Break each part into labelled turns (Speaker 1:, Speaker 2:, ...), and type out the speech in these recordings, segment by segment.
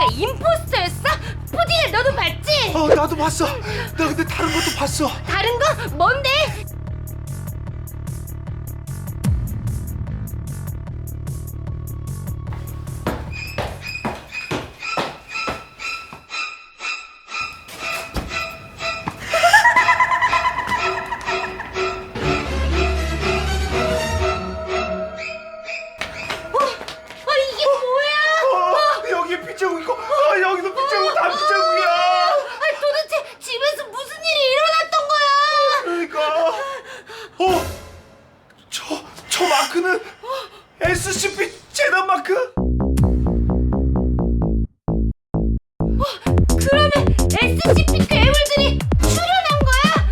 Speaker 1: 내가 임포스터였어? 푸딩아 너도 봤지?
Speaker 2: 나도 봤어. 나 근데 다른 것도 봤어.
Speaker 1: 다른 거? 뭔데? 이게 뭐야?
Speaker 2: 여기에 빗자국 있고, 여기도 빗자국, 다 빗자국이야.
Speaker 1: 도대체 집에서 무슨 일이 일어났던 거야?
Speaker 2: 그러니까. 저 마크는 SCP 재단 마크?
Speaker 1: 그러면 SCP 괴물들이 출연한 거야?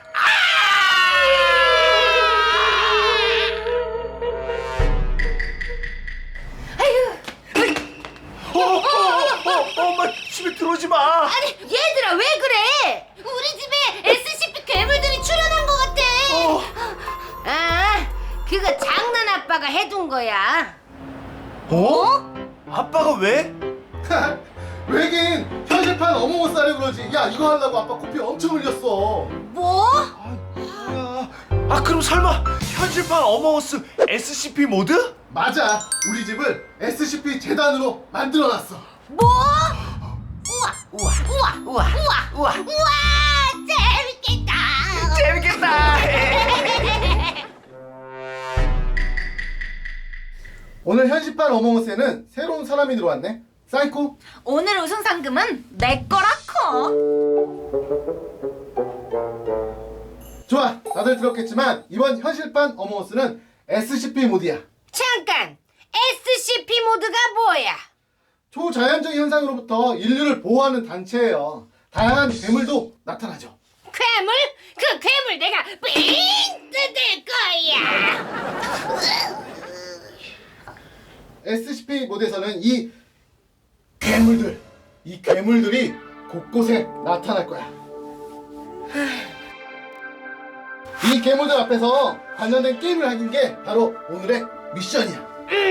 Speaker 2: 엄마 집에 들어오지 마.
Speaker 1: 아니 얘들아 왜 그래? 우리 집에 SCP 괴물들이 출연한 것 같아. 아 그거 장난 아빠가 해둔 거야.
Speaker 2: 아빠가 왜?
Speaker 3: 왜긴 현실판 어몽어스 하려고 그러지. 야, 이거 하려고 아빠 코피 엄청 흘렸어.
Speaker 1: 뭐?
Speaker 2: 뭐야? 그럼 설마 현실판 어머어스 SCP 모드?
Speaker 3: 맞아, 우리 집을 SCP 재단으로 만들어놨어.
Speaker 1: 뭐? 우와 우와 우와 우와 우와 우와 재밌겠다.
Speaker 2: 재밌겠다.
Speaker 3: 오늘 현실판 어몽어스에는 새로운 사람이 들어왔네. 사이코.
Speaker 1: 오늘 우승 상금은 내 거라커.
Speaker 3: 좋아, 다들 들었겠지만 이번 현실판 어몽어스는 SCP 모드야.
Speaker 1: 잠깐 SCP 모드가 뭐야?
Speaker 3: 초자연적 현상으로부터 인류를 보호하는 단체예요. 다양한 괴물도 나타나죠.
Speaker 1: 괴물? 그 괴물 내가 삥 뜯을 거야.
Speaker 3: SCP 모드에서는 이 괴물들이 곳곳에 나타날 거야. 이 괴물들 앞에서 관련된 게임을 하는 게 바로 오늘의 미션이야.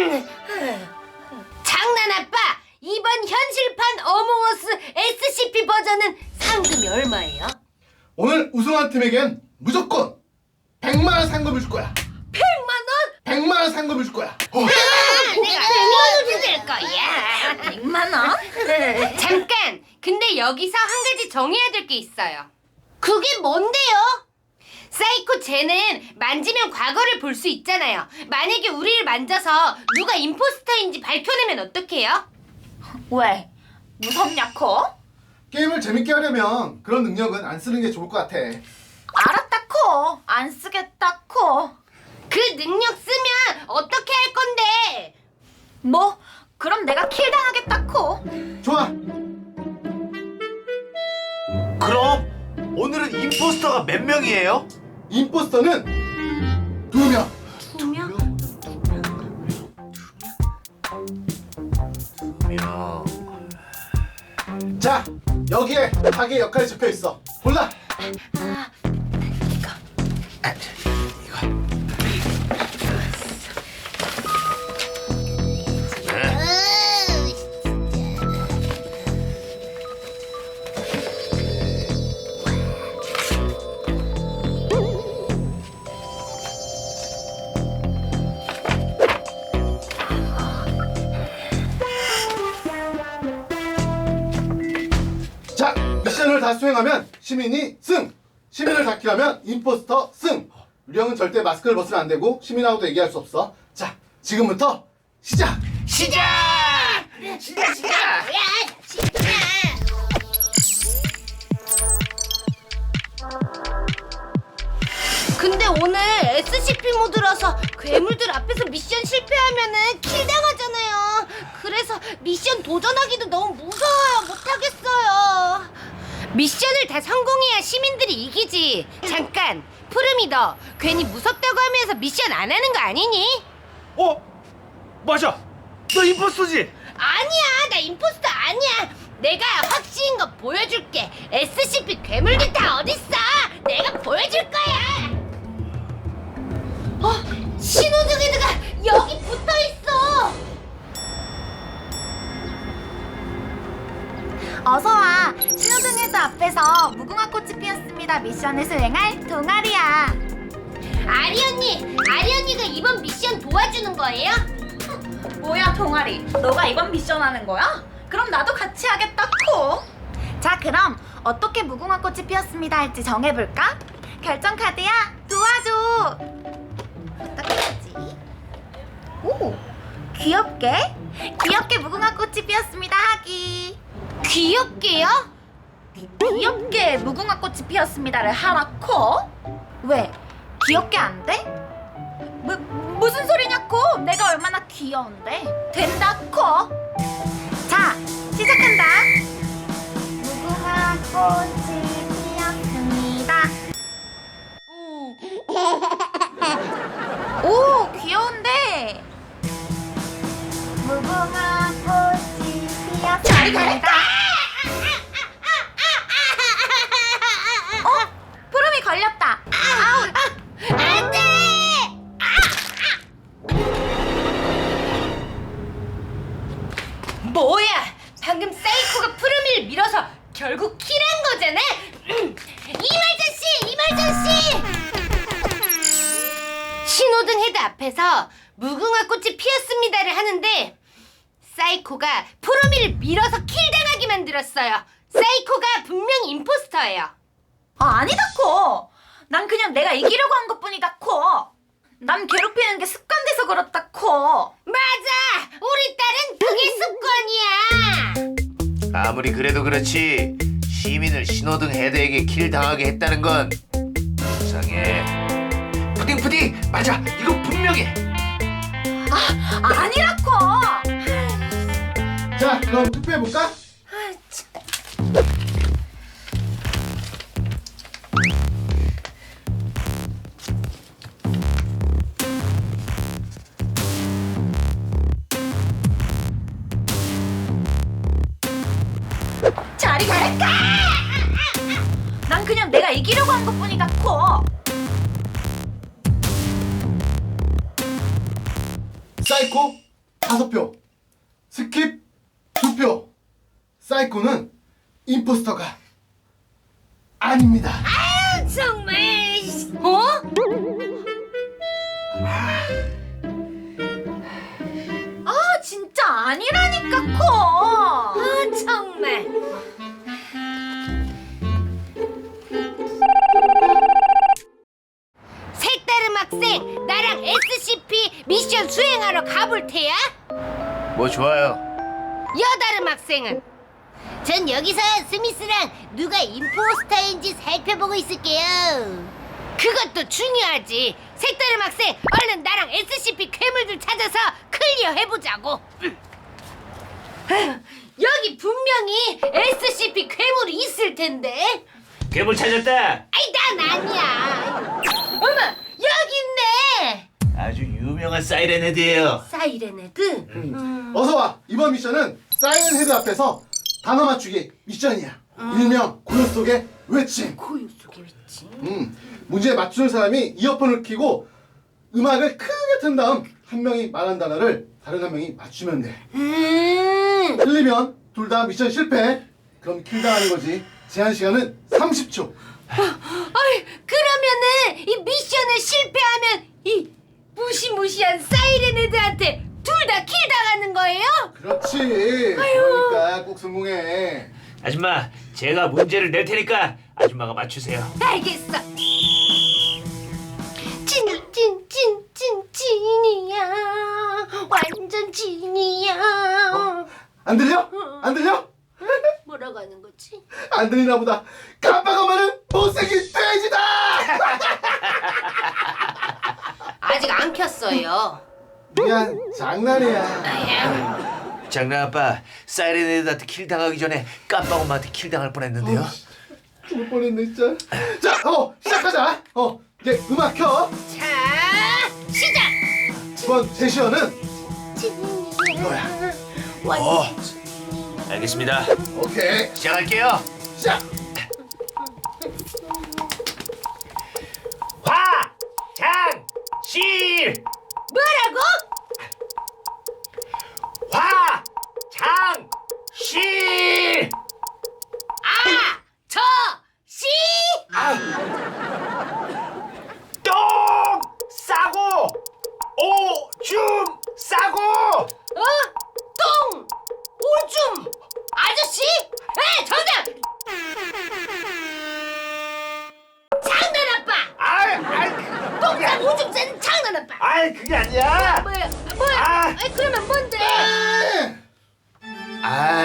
Speaker 1: 장난 아빠, 이번 현실판 어몽어스 SCP 버전은 상금이 얼마예요?
Speaker 3: 오늘 우승한 팀에겐 무조건 100만 원 상금을 줄 거야.
Speaker 1: 100만 원?
Speaker 3: 100만 원 상금을 줄 거야.
Speaker 1: 내가 100만 원 뜯을 거야. 100만 원? 잠깐, 근데 여기서 한 가지 정해야 될 게 있어요. 그게 뭔데요? 사이코 쟤는 만지면 과거를 볼 수 있잖아요. 만약에 우리를 만져서 누가 임포스터인지 밝혀내면 어떡해요? 왜? 무섭냐코?
Speaker 3: 게임을 재밌게 하려면 그런 능력은 안 쓰는 게 좋을 것 같아.
Speaker 1: 알았다코. 안 쓰겠다코. 그 능력 쓰면 어떻게 할 건데? 뭐? 그럼 내가 킬당하겠다코.
Speaker 3: 좋아.
Speaker 2: 그럼 오늘은 임포스터가 몇 명이에요?
Speaker 3: 임포스터는 2명.
Speaker 1: 2명?
Speaker 2: 2명.
Speaker 3: 자, 여기에 자기 역할이 적혀 있어. 골라. 자, 미션을 다 수행하면 시민이 승! 시민을 다 킬하면 임포스터 승! 우리 형은 절대 마스크를 벗으면 안 되고 시민하고도 얘기할 수 없어. 자, 지금부터 시작!
Speaker 2: 시작!
Speaker 1: 근데 오늘 SCP 모드라서 괴물들 앞에서 미션 실패하면은 킬당하잖아요. 그래서 미션 도전하기도 너무 무서워요. 못하겠어요. 미션을 다 성공해야 시민들이 이기지. 잠깐, 푸름이 너 괜히 무섭다고 하면서 미션 안 하는 거 아니니?
Speaker 2: 맞아. 너 임포스터지?
Speaker 1: 아니야, 나 임포스터 아니야. 내가 확실한 거 보여줄게. SCP 괴물들 다 어딨어? 내가 보여줄 거야. 시노즈게드가 여기 붙어 있어.
Speaker 4: 어서와. 신호등에도 앞에서 무궁화 꽃이 피었습니다 미션을 수행할 동아리야.
Speaker 1: 아리 언니가 이번 미션 도와주는 거예요?
Speaker 4: 뭐야 동아리, 너가 이번 미션 하는 거야? 그럼 나도 같이 하겠다 코. 자 그럼 어떻게 무궁화 꽃이 피었습니다 할지 정해볼까? 결정 카드야 도와줘. 어떻게 하지? 오 귀엽게 무궁화 꽃이 피었습니다 하기.
Speaker 1: 귀엽게요?
Speaker 4: 귀엽게 무궁화 꽃이 피었습니다를 하라코? 왜? 귀엽게 안 돼? 무슨 소리냐코? 내가 얼마나 귀여운데? 된다코? 자, 시작한다. 무궁화 꽃이 피었습니다. 오, 귀여운데? 무궁화 꽃이 피었습니다. 푸름이 걸렸다. 아우.
Speaker 1: 안 돼! 뭐야? 방금 사이코가 푸르미를 밀어서 결국 킬한 거잖아? 이말전씨! 신호등 헤드 앞에서 무궁화 꽃이 피었습니다를 하는데 사이코가 푸르미를 밀어서 킬당하게 만들었어요. 사이코가 분명 임포스터예요.
Speaker 4: 아니다 코. 난 그냥 내가 이기려고 한 것뿐이다 코. 난 괴롭히는 게 습관돼서 그렇다 코.
Speaker 1: 맞아! 우리 딸은 그게 습관이야!
Speaker 2: 아무리 그래도 그렇지 시민을 신호등 헤드에게 킬 당하게 했다는 건 이상해. 푸딩 맞아. 이거 분명해.
Speaker 4: 아니라 코.
Speaker 3: 자, 그럼 투표해볼까?
Speaker 4: 저리 갈까? 난 그냥 내가 이기려고 한 것뿐이다 코.
Speaker 3: 사이코 5표, 스킵 2표. 사이코는 임포스터가 아닙니다.
Speaker 1: 정말... 어?
Speaker 4: 아 진짜 아니라니까 코.
Speaker 1: 정말... 색다른 학생, 나랑 SCP 미션 수행하러 가볼 테야?
Speaker 2: 뭐 좋아요.
Speaker 1: 여다름 학생은? 전 여기서 스미스랑 누가 임포스터인지 살펴보고 있을게요. 그것도 중요하지. 색다름 학생, 얼른 나랑 SCP 괴물들 찾아서 클리어 해보자고. 여기 분명히 SCP 괴물이 있을 텐데.
Speaker 2: 괴물 찾았다.
Speaker 1: 아이, 난 아니야. 어머, 여기 있네.
Speaker 2: 아주 유명한 사이렌 헤드예요.
Speaker 1: 사이렌 헤드.
Speaker 3: 어서와. 이번 미션은 사이렌 헤드 앞에서 단어 맞추기 미션이야. 일명 고요 속의 외침.
Speaker 1: 고요 속에 있지.
Speaker 3: 문제에 맞추는 사람이 이어폰을 켜고 음악을 크게 튼 다음 한 명이 말한 단어를 다른 한 명이 맞추면 돼. 틀리면 둘 다 미션 실패. 그럼 킬당하는 거지. 제한 시간은 30초.
Speaker 1: 어이, 그러면은 이 미션을 실패하면 이 무시무시한 사이렌 헤드한테 둘 다 킬 당하는 거예요?
Speaker 3: 그렇지. 그러니까 꼭 성공해.
Speaker 2: 아줌마, 제가 문제를 낼 테니까 아줌마가 맞추세요.
Speaker 1: 알겠어. 찐이야. 완전 찐이야.
Speaker 3: 안 들려? 안 들려?
Speaker 1: 뭐라고 하는 거지?
Speaker 3: 안 들리나 보다. 깜빡하면은 못생긴 돼지다.
Speaker 1: 아직 안 켰어요.
Speaker 3: 미안, 장난이야.
Speaker 2: 장난 아빠, 사이렌 헤드한테 킬 당하기 전에 깜빡 엄마한테 킬 당할 뻔했는데요.
Speaker 3: 죽을 뻔했네 진짜. 자, 시작하자. 이제 음악 켜.
Speaker 1: 자, 시작.
Speaker 3: 이번 제시어는 이거야.
Speaker 2: 알겠습니다.
Speaker 3: 오케이.
Speaker 2: 시작할게요.
Speaker 3: 시작.
Speaker 2: 화장실.
Speaker 1: 뭐라고?
Speaker 2: 화장실.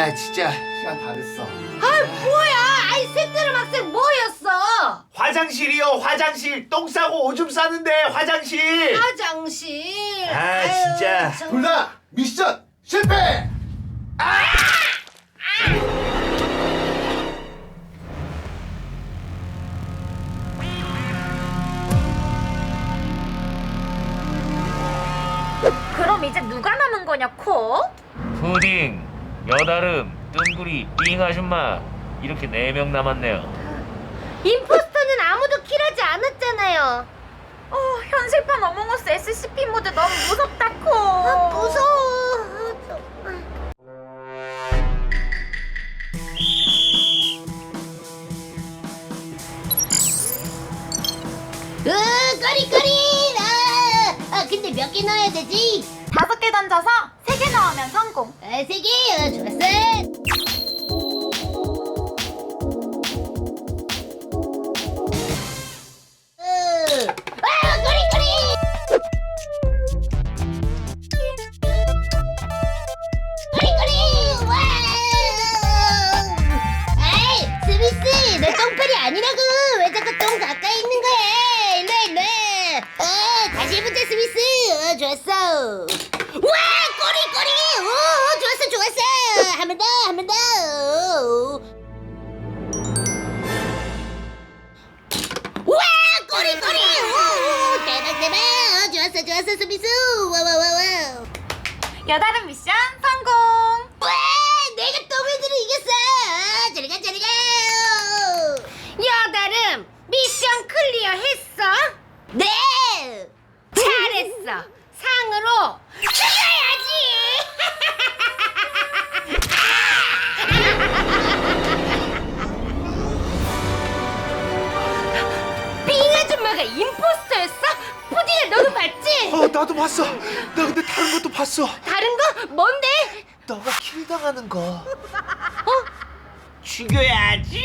Speaker 2: 아 진짜.
Speaker 3: 시간 다 됐어.
Speaker 1: 뭐야? 아이 새끼들 학생 뭐였어?
Speaker 2: 화장실이요 화장실. 똥 싸고 오줌 싸는데 화장실.
Speaker 1: 화장실.
Speaker 2: 아,
Speaker 1: 아유,
Speaker 2: 진짜.
Speaker 1: 정-
Speaker 3: 둘 다 미션 실패.
Speaker 4: 그럼 이제 누가 남은 거냐, 코?
Speaker 5: 푸딩, 여다름, 뜬구리, 삥 아줌마 이렇게 4명 남았네요.
Speaker 1: 임포스터는 아무도 킬하지 않았잖아요.
Speaker 4: 현실판 어몽어스 SCP 모드 너무 무섭다, 코.
Speaker 1: 무서워. 꼬리꼬리. 근데 몇 개 넣어야 되지?
Speaker 4: 5개 던져서 3개 넣으면 성공.
Speaker 1: 3개. 좋았어. 꼬리꼬리. 꼬리꼬리. 와. 아이, 스미스, 너 똥파리 아니라고. 왜 자꾸 똥 가까이 있는 거야? 일로 와. 다시 해보자, 스미스. 좋았어. 와, 꼬리꼬리. 좋았어. 한 번 더. 와, 꼬리꼬리. 대박. 좋았어, 스미스. 와.
Speaker 4: 여다름 미션 성공.
Speaker 1: 와, 내가 더블들을 이겼어. 저리 가. 여다름, 미션 클리어 했어? 네. 잘했어. 상으로 죽여야지. 삥 아줌마가 임포스터였어? 푸딩아, 너도 봤지?
Speaker 2: 나도 봤어. 나 근데 다른 것도 봤어.
Speaker 1: 다른 거? 뭔데?
Speaker 2: 너가 킬 당하는 거.
Speaker 1: 죽여야지.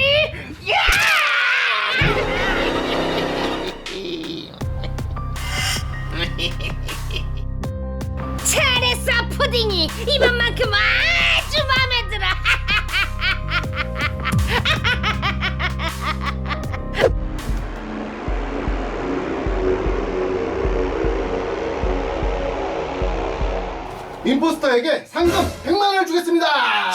Speaker 1: 잘했어, 푸딩이. 이번만큼 아주 마음에 들어.
Speaker 3: 임포스터에게 상금 100만 원을 주겠습니다.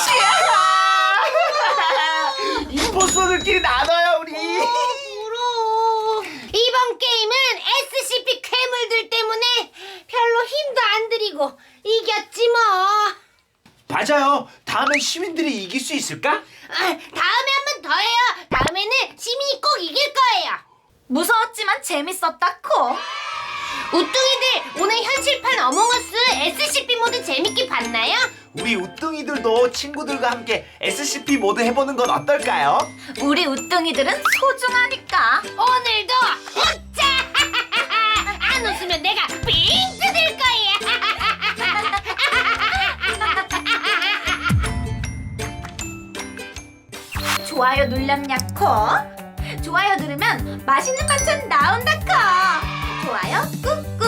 Speaker 2: 임포스터들끼리 나눠요 우리.
Speaker 1: 부러워. 이번 게임은 SCP 괴물들 때문에 별로 힘도 안 들이고 이겼지 뭐.
Speaker 2: 맞아요. 다음엔 시민들이 이길 수 있을까?
Speaker 1: 다음에 한 번 더 해요. 다음에는 시민이 꼭 이길 거예요.
Speaker 4: 무서웠지만 재밌었다, 코.
Speaker 1: 우뚱이들, 오늘 현실판 어몽어스 SCP 모드 재밌게 봤나요?
Speaker 2: 우리 우뚱이들도 친구들과 함께 SCP 모드 해보는 건 어떨까요?
Speaker 4: 우리 우뚱이들은 소중하니까.
Speaker 1: 오늘도 웃자. 안 웃으면 내가 삥 뜯을 거야.
Speaker 4: 좋아요 눌렸냐, 코? 좋아요 누르면 맛있는 반찬 나온다, 코. 좋아요 꾹꾹.